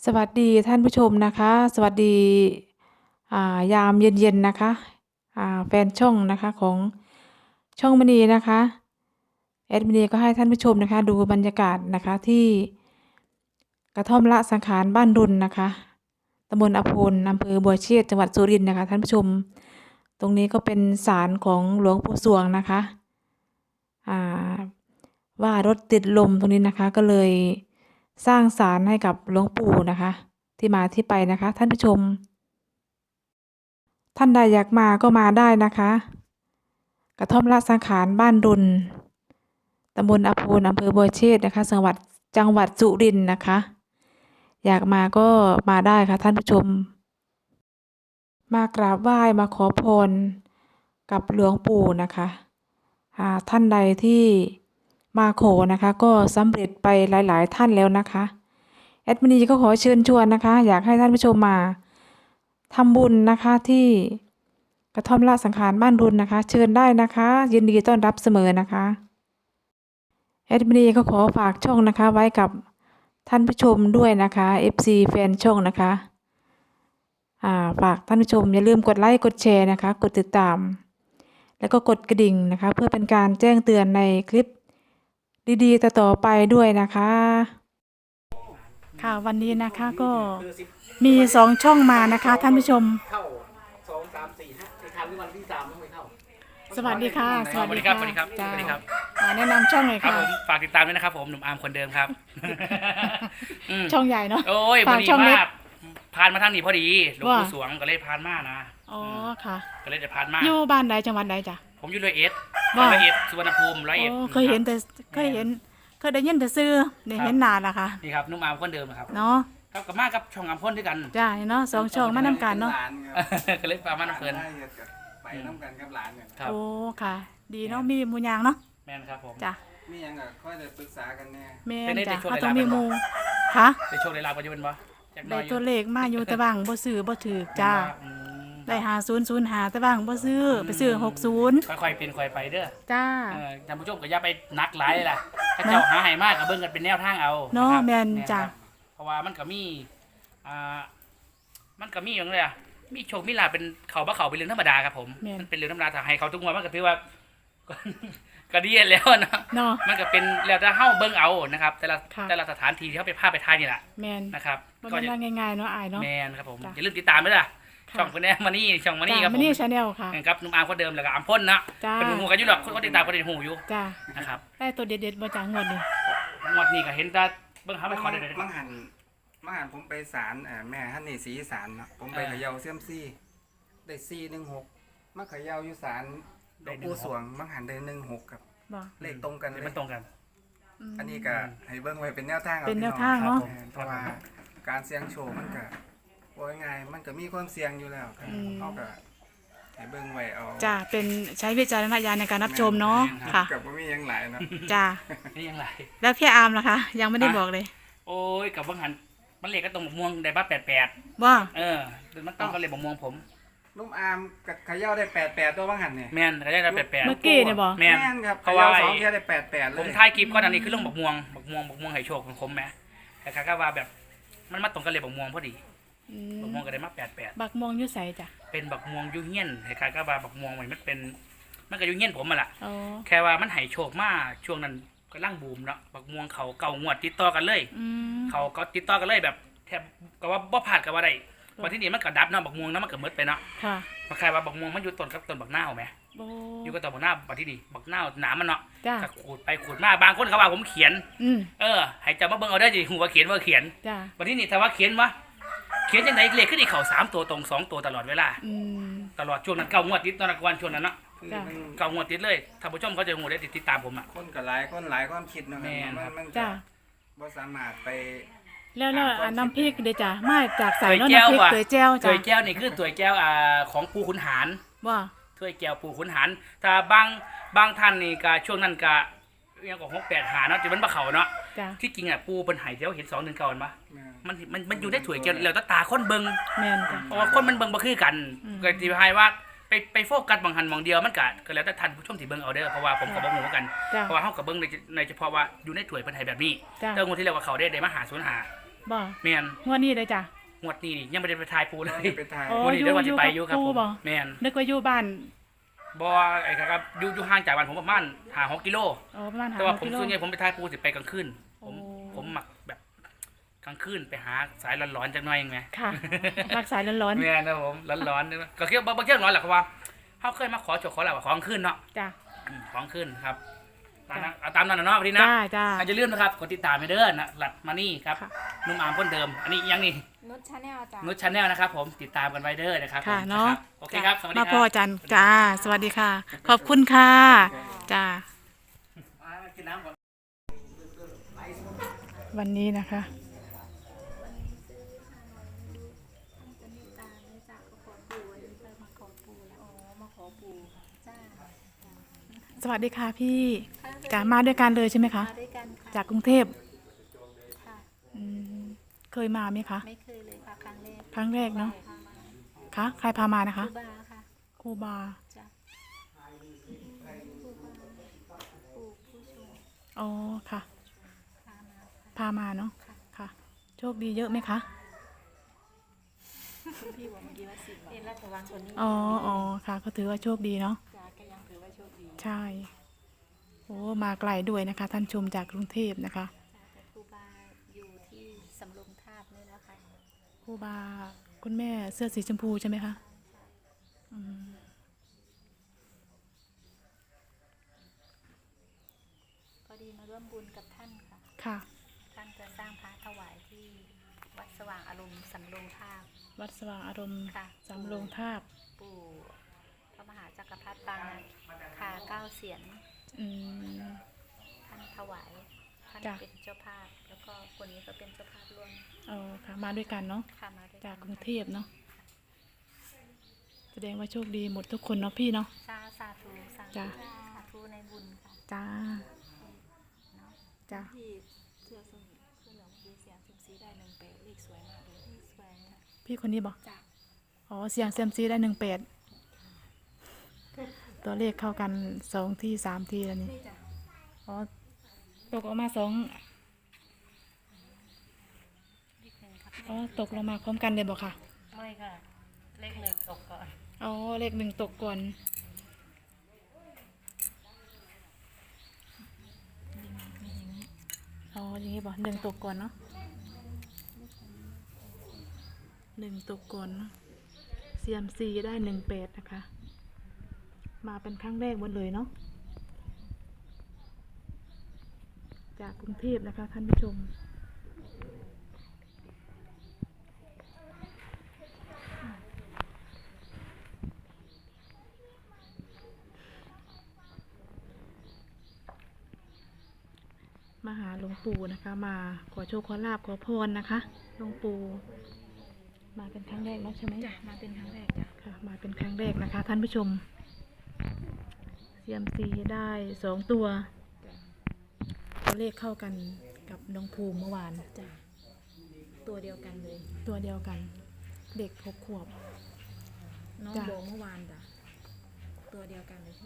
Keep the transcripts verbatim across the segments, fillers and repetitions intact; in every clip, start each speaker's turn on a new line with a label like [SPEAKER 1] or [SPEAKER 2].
[SPEAKER 1] สวัสดีท่านผู้ชมนะคะ สวัสดีอ่ายามเย็นๆนะคะอ่าแฟนช่องนะคะของช่องมณีนะคะแอดมินีก็ให้ท่านผู้ชมนะคะดูบรรยากาศนะคะที่กระท่อมละสังขารบ้านดุลนะคะตำบลอภลอำเภอบัวเชษจังหวัดสุรินทร์นะคะท่านผู้ชมตรงนี้ก็เป็นศาลของหลวงปู่สวงนะคะอ่าว่ารถติดลมตรงนี้นะคะก็เลยสร้างศาลให้กับหลวงปู่นะคะที่มาที่ไปนะคะท่านผู้ชมท่านใดอยากมาก็มาได้นะคะกระท่อมละสังขารบ้านดุลตำบลอภลอำเภอบัวเชษนะคะจังหวัดจังหวัดสุรินทร์นะคะอยากมาก็มาได้ค่ะท่านผู้ชมมากราบไหว้มาขอพรกับหลวงปู่นะคะท่านใดที่มาขอนะคะก็สำเร็จไปหลายๆท่านแล้วนะคะแอดมินีก็ขอเชิญชวนนะคะอยากให้ท่านผู้ชมมาทำบุญนะคะที่กระท่อมละสังขารบ้านดุลนะคะเชิญได้นะคะยินดีต้อนรับเสมอนะคะแอดมินีก็ขอฝากช่องนะคะไว้กับท่านผู้ชมด้วยนะคะ เอฟ ซี แฟนช่องนะคะอ่าฝากท่านผู้ชมอย่าลืมกดไลค์กดแชร์นะคะกดติดตามแล้วก็กดกระดิ่งนะคะเพื่อเป็นการแจ้งเตือนในคลิปดีๆต่อๆไปด้วยนะคะค่ะวันนี้นะคะก็มีสองช่องมานะคะท่านผู้ชม
[SPEAKER 2] เข้าสองสามสี่ห้าในทางที่วันที่สามต้องไปเข้า
[SPEAKER 1] สวัสดีค่ะ
[SPEAKER 2] สวัสดีครับสวัสดีครับสวัสดีครับ
[SPEAKER 1] แนะนำช่องหน่อยค่ะ
[SPEAKER 2] ครับผมฝากติดตามด้วยนะครับผมหนุ่มอาร์มคนเดิมครับ
[SPEAKER 1] ช่องใหญ่เนาะ
[SPEAKER 2] โอ้ยพอดีมากผ่านมาทางนี้พอดีหลวงปู่สวงก็เลยผ่านมานะ
[SPEAKER 1] อ๋อค่ะ
[SPEAKER 2] ก็เลยจะผ่านมา
[SPEAKER 1] อยู่บ้านใดจังหวัดใดจ้ะ
[SPEAKER 2] ผมอยู่ร้อยเอ็ดร้อยเอ็ดสุวรรณภูมิร้อยเอ็ด
[SPEAKER 1] เคยเห็นแต่เคยเห็นเคยได้ยินแต่ซื้อได้เห็นนานละค่ะ
[SPEAKER 2] นี่ครับนุ่มอาร์มคนเดิมครับ
[SPEAKER 1] เนาะ
[SPEAKER 2] ครับกับมากับช่องอาร์มคนด้วยกัน
[SPEAKER 1] จ้าเนาะสองช่องมานำกันเนาะ
[SPEAKER 2] ก็เลยประมาณนั้นเพิ่น
[SPEAKER 3] ไปน้ำกันกับหลานเนี่ย
[SPEAKER 1] โอ้ค่ะดีเนาะมีมูยางเนาะ
[SPEAKER 2] แม่นครับผม
[SPEAKER 1] จ้ะ
[SPEAKER 3] มียังก็ค่อยจะปรึกษากันแน่
[SPEAKER 1] แม่จ้ะเขาต้องมีมูค่ะ
[SPEAKER 2] ได้โชคได้ลาบปัจจุบันบ่
[SPEAKER 1] ได้ตัวเลขมาอยู่แต่บางบ่ซื้อบ่ถือจ้าได้หาศูนย์ศูนย์หาแต่บางบ่ซื้อไปซื้อหกศูนย์
[SPEAKER 2] ค่อยๆเป็นค่อยไปเด้อ
[SPEAKER 1] จ้า
[SPEAKER 2] ท่านผู้ชมก็อย่าไปนักหลายเลยล่ะถ้าเจ้าหาให้มากก็เบิ่งกันเป็นแนวทางเอา
[SPEAKER 1] เนาะแม่นจ้ะ
[SPEAKER 2] เพราะว่ามันก็มีอ่ามันก็มีอย่างไรอ่ะมีโชคมีลาเป็นเขาบ่เขาเป็นเรื่องธรรมดาครับผมมันเป็นเรื่องธรรมดาถ้าให้เขาทุกงวดมันก็ถือว่าก็ดีแล้วนะมันก็เป็นแล้วแต่เฮาเบิ่งเอานะครับแต่ละแต่ละสถานที่ที่เขาไปพาไปทายนี่แหละนะครับ
[SPEAKER 1] ก็จะง่ายๆเนาะอายเนาะ
[SPEAKER 2] แม่นครับผมอย่าลืมติดตามด้วยล่ะช่องคนนี้มานี่ช่องมานี่ครับผม
[SPEAKER 1] มานี่ชาแนลค่ะ
[SPEAKER 2] ครับนุ่มอาร์มคนเดิมแล้วก็อาร์มพ่นนะเป็นหูกันอยู่หรอกคนก็ติดตามคนติดหูอยู่
[SPEAKER 1] จ้า
[SPEAKER 2] นะครับ
[SPEAKER 1] ได้ตัวเด็ดๆมาจากงวดนี้
[SPEAKER 2] งวดนี้ก็เห็นแต่เบิ่งหาไปขอได้
[SPEAKER 3] มังหันมังหันผมไปศาลแม่ท่านนี่ศรีศาลนะผมไปเขย่าเสี่ยมซี่ได้สี่หนึ่งหกมาเขย่าอยู่ศาลหลวงปู่สวงมังหันได้หนึ่งหกครับเลขตรงกันเลย
[SPEAKER 2] มันตรงกัน
[SPEAKER 3] อันนี้ก็ให้เบิ่งไว้เป็นแนวทาง
[SPEAKER 1] เป็นแนวทางเนาะ
[SPEAKER 3] เพราะว่าการเสี่ยงโชว์มันก็ว่าไงมันก็มีความเสี่ยงอยู่แล้วเขาก็ให้เบิ่งไว้เอา
[SPEAKER 1] จ้าเป็นใช้วิจารณญาณในการรับชมเนาะค่ะ
[SPEAKER 3] กับว่ามียังหลายเนาะ
[SPEAKER 1] จ้า
[SPEAKER 2] นี่ยังหลาย
[SPEAKER 1] แล้วพี่อาร์มล่ะคะยังไม่ได้บอกเลย
[SPEAKER 2] โอ้ยกับบังหันมันเลขก็ตรงม่วงได้บ้าแปดแปด
[SPEAKER 1] ว่า
[SPEAKER 2] เออมันต้องก็เลขม่วงผม
[SPEAKER 3] นุ่มอาร์มกับขย่าได้แปดแปดตัวบังหันเนี่ย
[SPEAKER 2] แม่นขย่าได้แปดแปด
[SPEAKER 1] เมื่อกี้เนี่ยบอก
[SPEAKER 2] แม่
[SPEAKER 3] นครับเพราะว่าสองแค่ได้แปดแปดเลย
[SPEAKER 2] ผมถ่ายคลิปก่อนอันนี้คือเรื่องบักม่วงบักม่วงบักม่วงไห่โชคของผมแม่แต่คาก็ว่าแบบมันมาตรงกันเลยบักม่วงพอดีบักม่วงก็ได้มาแปดแปด
[SPEAKER 1] บักม่วงยุ่ใสจ้ะ
[SPEAKER 2] เป็นบักม่วงยุ่เงี้ยนคล้ายๆกับว่าบักม่วงมันเป็นมันก็ยุ่เงี้ยนผมมาละ
[SPEAKER 1] อ๋อ
[SPEAKER 2] แค่ว่ามันไห่โชคมาช่วงนั้นก็ร่างบูมเนาะบักม่วงเขาเก่างวดติดต่อกันเลยเขาก็ติดต่อกันเลยแบบแทบก็ว่าบ่ผ่านกับว่าได้วันที่นี่มันก็ดับเนาะบักม่วงเนาะมันก็มืดไปเนาะ
[SPEAKER 1] ค่ะ
[SPEAKER 2] มันคล้ายว่าบักม่วงมันอยู่ต้นกับต้นบักหน้าเอาไหมอยู่กับต้นบักหน้าวันที่นี่บักหน้าหนามันเนาะก็ขูดไปขูดมาบางคนเขาว่าผมเขียนเออให้จำมาเบิ่งเอาได้จีหัวเขียนว่าเขียนวันที่นี่ถ้าว่าเขียนวะเขียนยังไงเลขขึ้นอีกเข่าสามตัวตรงสองตัวตลอดเวลาตลอดช่วงนั้นเก้างวดติดตอนวันช่วงนั้นเนาะเก้างวดติดเลยท่านผู้ชมเขาจะหูได้ติดติดตามผมอ่ะ
[SPEAKER 3] คนกับหลายคนหลายความคิดนะมันมันจะบ่สามารถไป
[SPEAKER 1] แล้วแล้วน้ำพริกเดี๋ยวจ้ะมาจากใส่น้ำพริกถ้วยแก้วจ้ะ
[SPEAKER 2] ถ้วยแก้วนี่คือถ้วยแก้วอ่าของปู่ขุนหาร
[SPEAKER 1] ว่า
[SPEAKER 2] ถ้วยแก้วปู่ขุนหารถ้าบางบางท่านนี่ก็ช่วงนั้นก็ยังก็หกแปดหาเนาะจะมันบะเขาเนาะที่จริงอ่ะปูเป็นไห่เที่ยวเห็นสองหนึ่งเก่ามันปะมันมันมันอยู่ได้ถวยเกี่ยวแล้วตาคนเบิงเพราะว่าคนมันเบิงบ่คือกันก็ที่ให้ว่าไปไปโฟกัสบางหันบางเดียวมันก็ก็แล้วแต่ท่านผู้ชมที่เบิงเอาเด้อเพราะว่าผมกับบ่ฮู้กันเพราะว่าเฮากับเบิงในในเฉพาะว่าอยู่ในถวยเป็นไห่แบบนี้เรื่องคนที่เรียกว่าเขาได้ได้มาหาศูนย์หา
[SPEAKER 4] บ่
[SPEAKER 2] แม่น
[SPEAKER 4] งวดนี้เลยจ้ะ
[SPEAKER 2] งวดนี้นี่ยังไม่ได้ไปทายปูเลย
[SPEAKER 3] เป็นทาย
[SPEAKER 4] โอ้
[SPEAKER 2] งวดนี้เดี๋ยววันจะไปอยู่ครับ
[SPEAKER 4] อยู่
[SPEAKER 2] ผ
[SPEAKER 4] กับ
[SPEAKER 2] ม
[SPEAKER 4] ปูบ่
[SPEAKER 2] แม่น
[SPEAKER 4] นึกว่าอยู่บ้าน
[SPEAKER 2] บ่ไอ้ครับอยู่อยู่ห่างจากบ้านผมประมาณห้าหกกิโล
[SPEAKER 4] อ๋อประมาณ
[SPEAKER 2] แต่ว่าผม
[SPEAKER 4] กิโล
[SPEAKER 2] ส่วนใหญ่ผมไปทายปูสิไปกลางคืนผม
[SPEAKER 4] โอ้
[SPEAKER 2] ผมหมักแบบกลางคืนไปหาสายร้อนๆจักหน่อยเองไหม
[SPEAKER 4] ค่ะรักสายร้อน
[SPEAKER 2] แม่นนะผมร้อนๆก็เคี่ยวบ่เคี่ยวร้อนหรอกครับว่าเขาเคยมาขอโชคขอลาบของขึ้นเนาะ
[SPEAKER 4] ๆจ้ะ
[SPEAKER 2] อืมของขึ้นครับตามนั้นเอาตามนั้นนะเนาะพี่นะ
[SPEAKER 4] จ้าจ้า
[SPEAKER 2] อาจจะเลื่อนนะครับกดติดตามไปเด้อนะหลัดมานี่ครับ
[SPEAKER 4] ค่ะ
[SPEAKER 2] นุ่มอามคนเดิม อันนี้ยังนี่
[SPEAKER 5] นุชชาแนลจ้ะ
[SPEAKER 2] นุชชาแนลนะครับผมติดตามกันไว้เด้อนะครับ
[SPEAKER 4] ค่ะ
[SPEAKER 2] ผม
[SPEAKER 4] เนาะ
[SPEAKER 2] ครับโอเคครับสวัสดีค
[SPEAKER 4] มา
[SPEAKER 2] รับ
[SPEAKER 4] พ่อจันจ้า สวัสดีค่ะ ขอบคุณค่ะ จ้า
[SPEAKER 2] อ่ากินน้ำก่อน
[SPEAKER 4] วันนี้นะคะ
[SPEAKER 5] จะมีตาไม่จ้ะก็ขอปู่วันนี้เพิ่มมาขอปู่แล้วอ๋อมาขอปู่จ้า
[SPEAKER 4] สวัสดีค่ะพี่จ้ามาด้วยกันเลยใช่ไหมคะ
[SPEAKER 5] มาด้วยกันค่ะ
[SPEAKER 4] จากกรุงเทพ
[SPEAKER 5] ค่ะ
[SPEAKER 4] อืมเคยมาไหมคะ
[SPEAKER 5] ไม่เคยเลยค่ะครั้งแรก
[SPEAKER 4] ครั้งแรกเนาะ
[SPEAKER 5] พามา
[SPEAKER 4] คะใครพามานะคะ
[SPEAKER 5] ครูบาค่ะ
[SPEAKER 4] ครูบา
[SPEAKER 5] จ้ะครูบาปู่ผู้ชม
[SPEAKER 4] อ๋อ ค่ะ
[SPEAKER 5] พามาค่ะ
[SPEAKER 4] พามาเนาะ
[SPEAKER 5] ค่ะ
[SPEAKER 4] ค่ะ โชคดีเยอะไหมคะ
[SPEAKER 5] คุณพี่บอกเมื่อกี้ว่าสิบเป็นรัฐบาลคนนี้
[SPEAKER 4] อ๋ออ๋อค่ะ ก็ถือว่าโชคดีเนาะ
[SPEAKER 5] จ้าก็ยังถือว่าโชคดี
[SPEAKER 4] ใช่ โอ้มาไกลด้วยนะคะ ท่านชมจากกรุงเทพนะคะ
[SPEAKER 5] จ้าแต่ครูบาอยู่ที่สำโรงทาบนี่นะคะ
[SPEAKER 4] ครูบาคุณแม่เสื้อสีชมพูใช่ไหมคะอืม
[SPEAKER 5] พอดีมาร่วมบุญกับท่านค่ะ
[SPEAKER 4] ค่ะ
[SPEAKER 5] ท่านจะสร้างพระถวายที่วัดสว่างอารมณ์สำโรงทาบ
[SPEAKER 4] วัดสว่างอารมณ์
[SPEAKER 5] ค่ะ
[SPEAKER 4] สำโรงทาบ
[SPEAKER 5] ปู่พระมหาจักรพรรดิปางคาเก้าเสียน
[SPEAKER 4] อืม
[SPEAKER 5] ท่านถวาย ท่าน
[SPEAKER 4] จ้ะ
[SPEAKER 5] เป็นเจ้าภาพ แล้วก็คนนี้ก็เป็นเจ้าภาพร่วม
[SPEAKER 4] เอาค่ะ มาด้วยกันเนาะ
[SPEAKER 5] ค่ะมาด้วยน
[SPEAKER 4] จากกรุงเทพเนาะ แสดงว่าโชคดีหมดทุกคนเนาะพี่เนาะ
[SPEAKER 5] สาสาธุสาธุ
[SPEAKER 4] จ้ะ
[SPEAKER 5] สาธุในบุญค่ะ
[SPEAKER 4] จ้า
[SPEAKER 5] เนาะ
[SPEAKER 4] จ้า
[SPEAKER 5] ที่เสื้อส้มเสื้อเหลืองดีเสียงซิมซีได้หนึ่งเปเลขสวยมากเลยเลขสวยค่ะ
[SPEAKER 4] พี่คนนี้บอก
[SPEAKER 5] จ้ะ
[SPEAKER 4] อ๋อ เสียงเซยมซีได้หนึ่งแปดตัวเลขเข้ากันสองที่สามทีแล้วนี่
[SPEAKER 5] นี่จ้ะ
[SPEAKER 4] อ๋อ ตกออกมาสอง
[SPEAKER 5] เลขหนึ่งครับ
[SPEAKER 4] อ๋อ ตกลงมาพร้อมกันเลยบอกค่ะ
[SPEAKER 5] ไม่ค่ะ เลขหนึ่งตกก่อน
[SPEAKER 4] อ๋อ เลขหนึ่งตกก่อน อ๋อ อย่างนี้บอกหนึ่งตกก่อนเนาะหนึ่งตกก่อนเนาะเซียมซีได้หนึ่งแปดนะคะ มาเป็นครั้งแรกหมดเลยเนาะ จากกรุงเทพนะคะท่านผู้ชม มาหาหลวงปู่นะคะ มาขอโชคขอลาบขอพรนะคะหลวงปู่มาเป็นครั้งแรกเนาะใช่ไหม
[SPEAKER 5] จ้ะมาเป็นครั้งแรกจ้ะ
[SPEAKER 4] ค่ะ มาเป็นครั้งแรกนะคะ ท่านผู้ชมเซียมซีได้สองตัวตัวเลขเข้ากันกับน้องภูมิเมื่อวาน
[SPEAKER 5] จ้ะตัวเดียวกันเลย
[SPEAKER 4] ตัวเดียวกัน เด็กหกขวบ
[SPEAKER 5] น้อง
[SPEAKER 4] จ้ะ
[SPEAKER 5] บอกเมื่อวานจ้ะตัวเดียวกันเลยพี่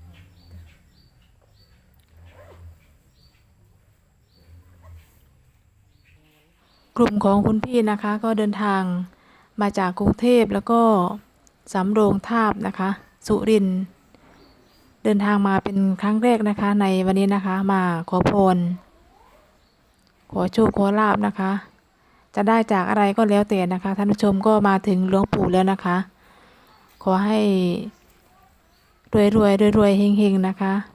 [SPEAKER 1] กลุ่มของคุณพี่นะคะ ก็เดินทางมาจากกรุงเทพแล้วก็สำโรงทาบนะคะ สุรินทร์เดินทางมาเป็นครั้งแรกนะคะ ในวันนี้นะคะ มาขอพร ขอโชคขอลาบนะคะ จะได้จากอะไรก็แล้วแต่นะคะ ท่านผู้ชมก็มาถึงหลวงปู่แล้วนะคะ ขอให้รวยรวยรวยรวยๆเฮงๆนะคะ